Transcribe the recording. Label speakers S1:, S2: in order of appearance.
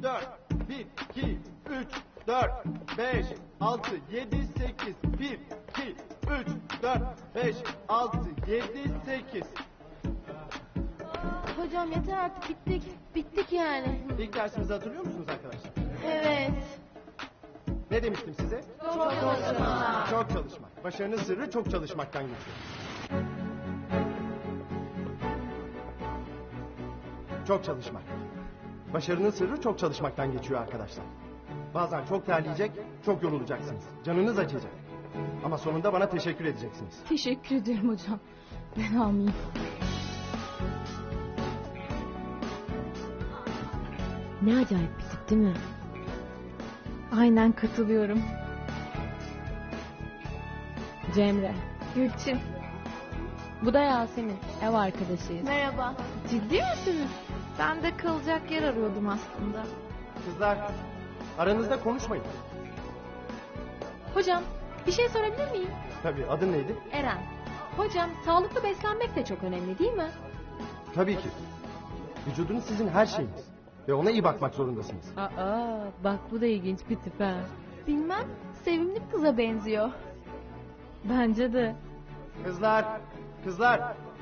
S1: 4. 1, 2, 3, 4, 5, 6, 7, 8. 1, 2, 3, 4, 5, 6, 7, 8.
S2: Hocam yeter artık, bittik. Bittik yani.
S1: İlk dersimizi hatırlıyor musunuz arkadaşlar?
S2: Evet.
S1: Ne demiştim size?
S2: Çok çalışma.
S1: Çok çalışmak. Başarının sırrı çok çalışmaktan geçiyor. Çok çalışmak. Başarının sırrı çok çalışmaktan geçiyor arkadaşlar. Bazen çok terleyecek, çok yorulacaksınız. Canınız acıyacak. Ama sonunda bana teşekkür edeceksiniz.
S3: Teşekkür ederim hocam. Ben almayayım.
S4: Ne acayip bir tip değil mi?
S3: Aynen katılıyorum.
S4: Cemre.
S3: Gülçin.
S4: Bu da Yasemin. Ev arkadaşıyız.
S2: Merhaba.
S3: Ciddi misiniz? Ben de kalacak yer arıyordum aslında.
S1: Kızlar, aranızda konuşmayın.
S4: Hocam bir şey sorabilir miyim?
S1: Tabii, adın neydi?
S4: Eren. Hocam sağlıklı beslenmek de çok önemli değil mi?
S1: Tabii ki. Vücudunuz sizin her şeyiniz. Ve ona iyi bakmak zorundasınız.
S4: Aa bak bu da ilginç bir tip ha.
S2: Bilmem, sevimli bir kıza benziyor.
S4: Bence de.
S1: Kızlar, kızlar.